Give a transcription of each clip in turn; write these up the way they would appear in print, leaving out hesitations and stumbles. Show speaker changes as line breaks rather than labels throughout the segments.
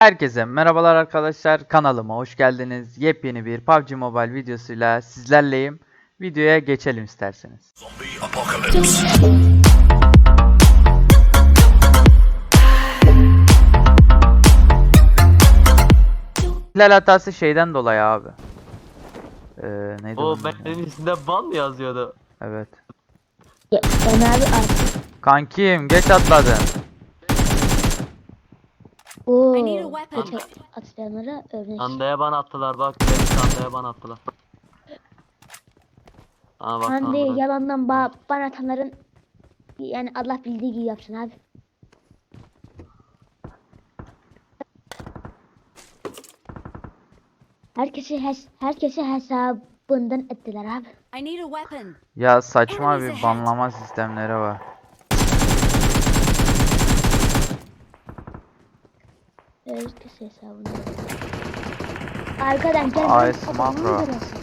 Herkese merhabalar arkadaşlar, kanalıma hoş geldiniz. Yepyeni bir PUBG Mobile videosuyla sizlerleyim. Videoya geçelim isterseniz. İhlal hatası şeyden dolayı abi. Neydi
O
bunun adı?
benim üstünde ban mı yazıyordu?
Evet.
Ben abi artık.
Kankim geç atladın.
Oo.
I need a weapon.
Atlayanlara örnek.
Hande'ye ban attılar bak. Benim Hande'ye ban attılar. Aa bak
Hande
lan buraya.
yalandan bana atanların yani Allah bildiği gibi yapsın abi. Herkesi hesabından ettiler abi.
I need a weapon.
Ya saçma bir banlama sistemleri var.
Herkesi hesabından. Arkadan gel.
Ay,
Adamı
makro.
görüyorsun.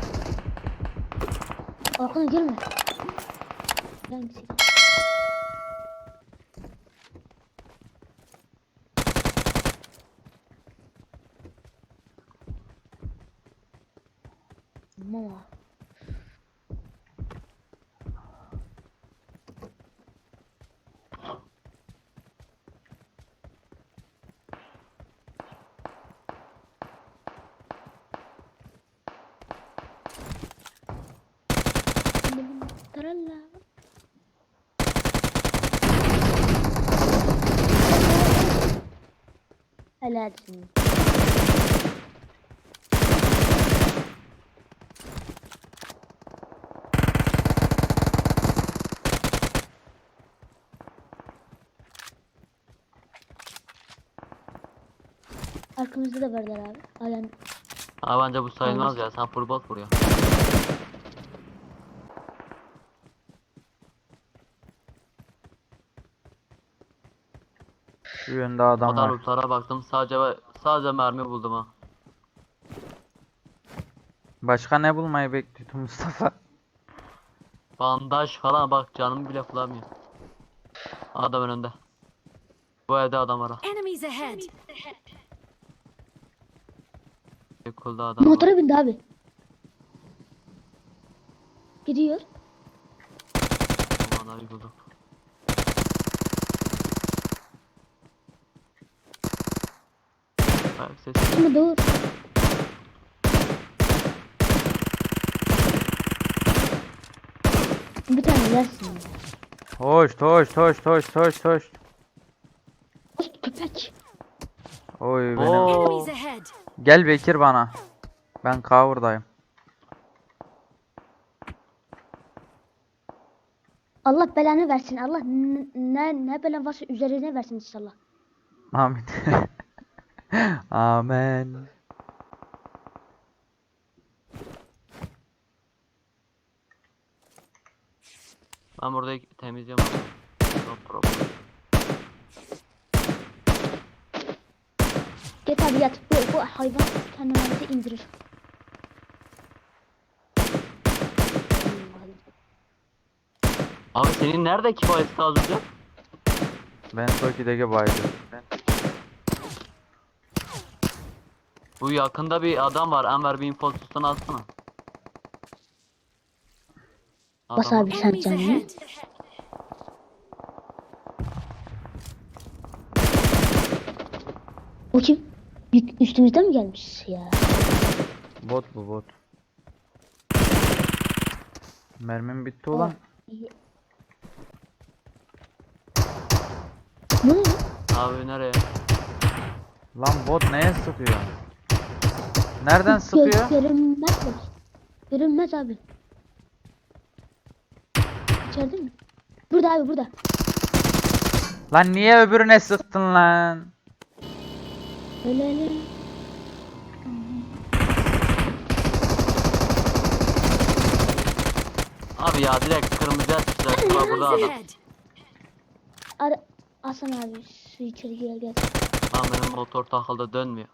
Arkadan girme. Hangisi? Mama. Taralla. Helalsin. Arkamızda da varlar abi. Alan.
Aa bence bu sayılmaz ya. Sen full bot vuruyor.
Şu yönde adam
Kadar
var.
lootlara baktım. Sadece mermi buldum ha.
Başka ne bulmayı bekliyordun Mustafa?
Bandaj falan bak canım bile kullanmıyor. Adam önünde. Bu evde adam var ha.
Enemies ahead.
Kulda adam var.
Motora bindi abi. Gidiyor.
Aman abi buldum. Ayak sesi.
Ama dur. Bir tane yersin ya.
Hoş.
Köpek.
Oy benim.
Oo.
Enemies ahead.
Gel Bekir bana. Ben cover'dayım.
Allah belanı versin. Allah ne belan varsa üzerine versin inşallah.
Amin. Amen.
Ben burada temizliyorum. No problem.
Git abi yat. Bu hayvan kendini indirir.
Abi senin nerede kifayeti az önce?
Ben Toki'deki baydım.
Bu yakında bir adam var. Enver bir infosunu alsana.
Bas
Adam-
abi sen
Enemies
canını.
ahead.
O kim? Üstümüzden mi gelmiş ya?
Bot bu bot. Mermim bitti ulan.
Ne oluyor?
Abi nereye?
Lan bot neye sıkıyor? Nereden sıkıyor?
Görünmez mi? Görünmez abi. İçeride mi? Burada abi burada.
Lan niye öbürüne sıktın lan?
Öyle.
Abi ya direkt kırmızıya çıkacak. Bak burada
Enemies
adam.
ahead.
Hasan abi şu içeri gel.
Lan benim motor takıldı dönmüyor.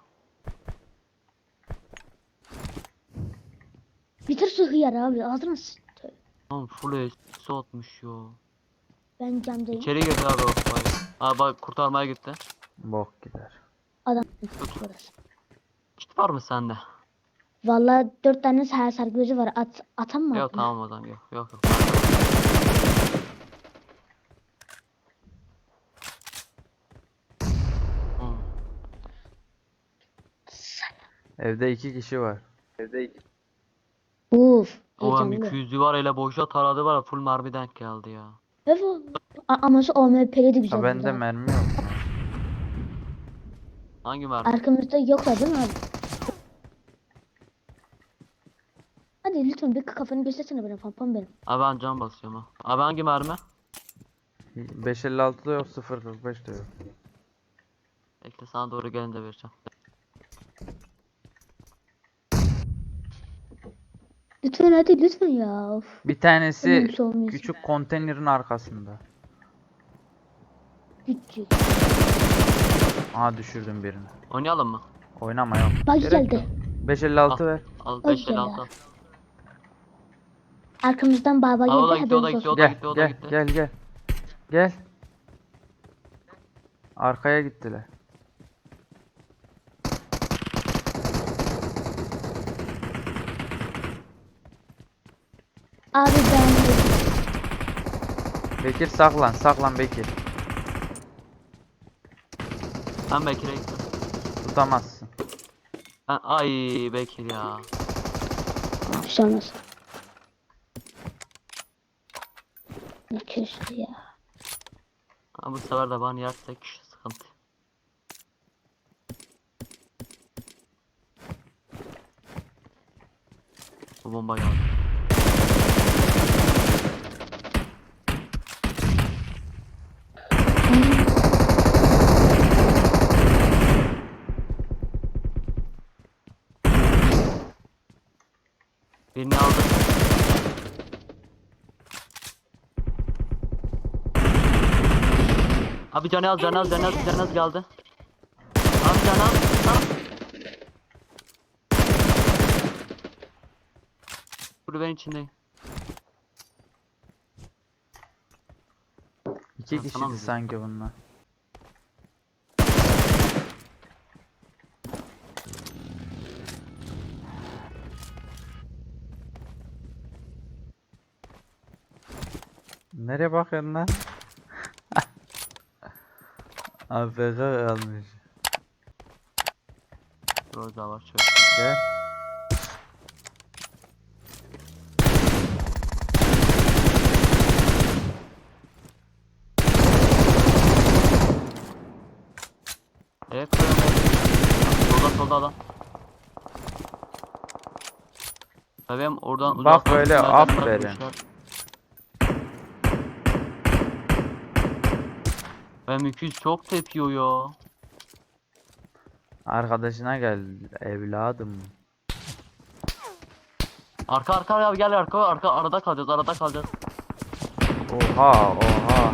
Bitir şu hıyar abi ağzına
Lan full atmış ya.
ben camdayım.
İçeri girdi abi o. Abi bak kurtarmaya gitti.
Bok gider.
Adam burası.
Kit var mı sende?
Vallahi 4 tane sargıcı var. Atam mı?
Yok
atma?
tamam o zaman yok yok yok. Hmm.
Evde 2 kişi var.
Uf.
O
Heyecanlı.
M200'ü var hele boşa taradı var ya, full mermi denk geldi ya.
Evet. Ama şu OMP'li de
Ha
güzel
bende
burada.
mermi yok.
Hangi mermi?
Arkamızda yoklar değil mi abi? Hadi lütfen bir kafanı göstersene bana pampam benim.
Abi ben can basıyorum ha. Abi hangi mermi?
556 da yok, 045 de yok.
Bekle sana doğru gelince vereceğim.
Lütfen hadi lütfen ya. Of.
Bir tanesi
Ölümsüz olmuyorsun.
küçük konteynerin arkasında.
Küçük.
Aha düşürdüm birini.
Oynayalım mı?
Oynama yok.
Bak
Gerek
geldi.
yok. 556 ver.
Al
Hoş
556 al.
geldin. Arkamızdan baba
Aa, o da
geldi
gitti, o da
haberiniz
gitti,
olsun.
o da
Gel
gitti, o da
gel
gitti.
gel gel. Gel. Arkaya gittiler.
Abi ben
Bekir saklan, saklan Bekir.
Ben Bekir'e gittim.
Tutamazsın.
Ay Bekir ya.
bir şey olmaz. Ne köşkü ya.
Ha, bu sefer de bana yersek sıkıntı. Bu bomba geldi. Birini aldım. Abi canı az, canı az, canı az, canı az geldi. Abi canı az. Ha. Kulübenin içindeyim.
2
Ha,
kişiydi
tamam.
sanki bunlar. Nereye bakıyorsun lan? AFK kalmış.
Roza var şöyle.
Gel.
Koyalım. Solda adam. Bebeğim oradan
Bak
uzaktan
böyle,
tünelden
aferin.
bırakmışlar. Benim 200 çok tepiyor ya.
Arkadaşına gel evladım.
Arka ya gel arka arada kalacağız.
Oha oha.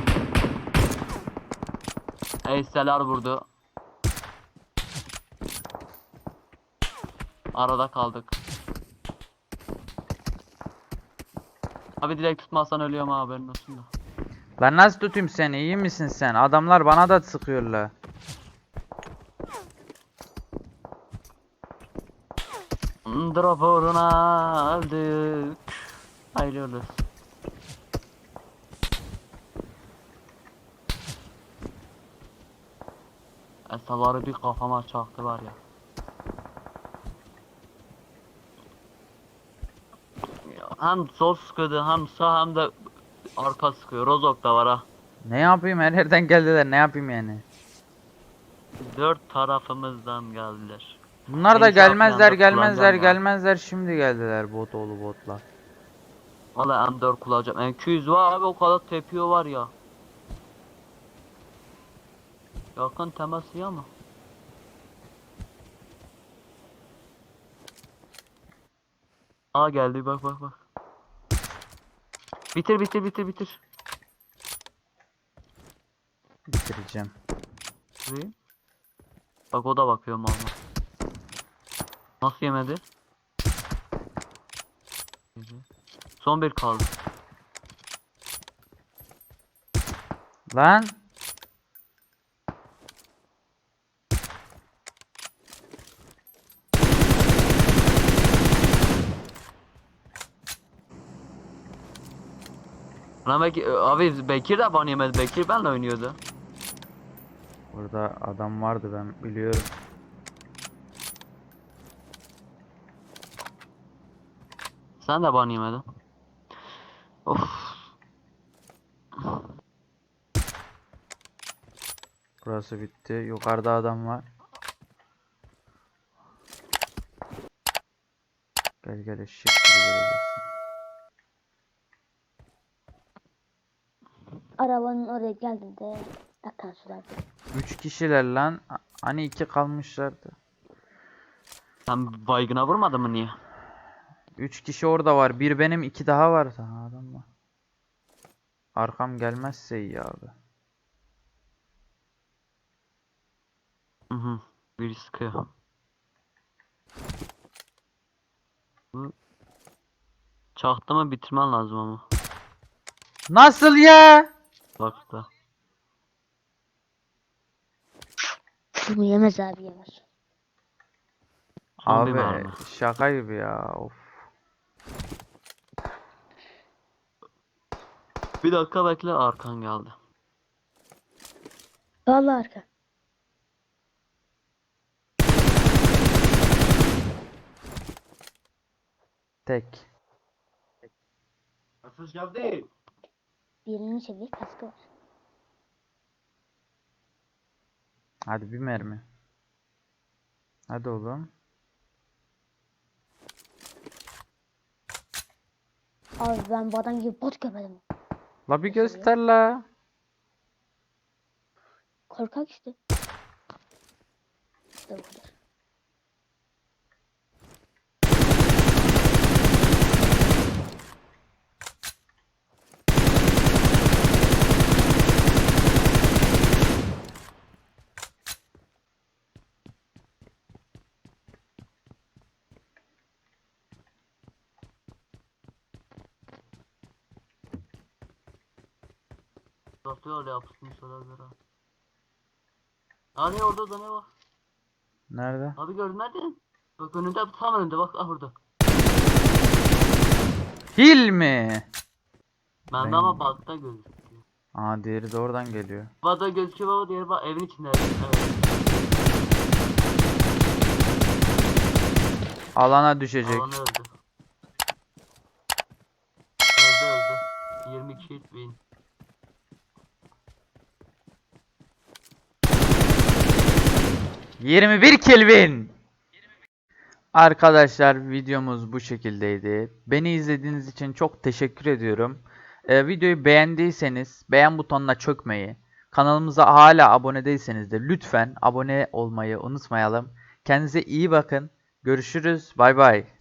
Eyseler vurdu. Arada kaldık. Abi direkt tutmazsan ölüyorum ha, haberin olsun da.
Lan nasıl tutayım seni, iyi misin sen? Adamlar bana da sıkıyorlar.
Drop uğruna öldük. Ayrılıyoruz. Esaları bir kafama çaktı var ya. Hem sol sıkıyordu hem sağ hem de arka sıkıyor. Rozok da var ha.
Ne yapayım, her yerden geldiler, ne yapayım yani?
4 tarafımızdan geldiler.
Bunlar da
Beni şey
gelmezler
yapmayan da
gelmezler
kullanacağım ya.
gelmezler, şimdi geldiler bot oğlu botlar.
Valla M4 kullanacağım. M200 var abi, o kadar tepiyor var ya. Yakın teması ya mı? Aa geldi, bak. Bitir.
Bitireceğim.
Şurayı. Bak o da bakıyor mal. Nasıl yemedi? Son bir kaldı.
Lan
Lan belki abi Bekir de ban yemedi. Bekir benle oynuyordu.
Burada adam vardı, ben biliyorum.
Sen de ban yemedin. Of.
Burası bitti. Yukarıda adam var. Gel gel, eşek gibi geleceksin.
Arabanın oraya geldiğinde akan sular.
3 kişiler lan. Hani 2 kalmışlardı.
Sen baygına vurmadın mı niye?
3 kişi orada var. Bir benim, 2 daha var. Daha adam var. Arkam gelmezse iyi abi.
Hı hı. Biri sıkıyor. Hı. Çaktı mı bitirmen lazım ama.
Nasıl ya?
Bak da.
Bunu yemez abi, yemez.
Son bir
Abi
mermi.
şaka gibi ya. Of.
Bir dakika bekle, arkan geldi.
Vallahi arka.
Tek.
Mesaj geldi.
Birini çevir, kaskı var.
Hadi bir mermi. Hadi oğlum.
Abi ben bu adam gibi bot görmedim.
La bir göster la.
Korkak işte. İşte bu kadar.
Satıyor öyle yapsın söylerler ha. Hani orada da ne var?
Nerede?
Abi gördün nerede? Bak önünde, tam önünde bak, ah orada.
Hil mi?
Bende
Ben-
ama bakta gözüküyor.
Aa, diğeri de oradan geliyor.
Bada gözüküyor baba, diğeri bak evin içinde. Evet.
Alana düşecek.
Alanı öldü. Öldü. 22 hit win.
...21 Kelvin. Arkadaşlar videomuz bu şekildeydi. Beni izlediğiniz için çok teşekkür ediyorum. Videoyu beğendiyseniz beğen butonuna çökmeyi, kanalımıza hala abone değilseniz de lütfen abone olmayı unutmayalım. Kendinize iyi bakın. Görüşürüz. Bay bay.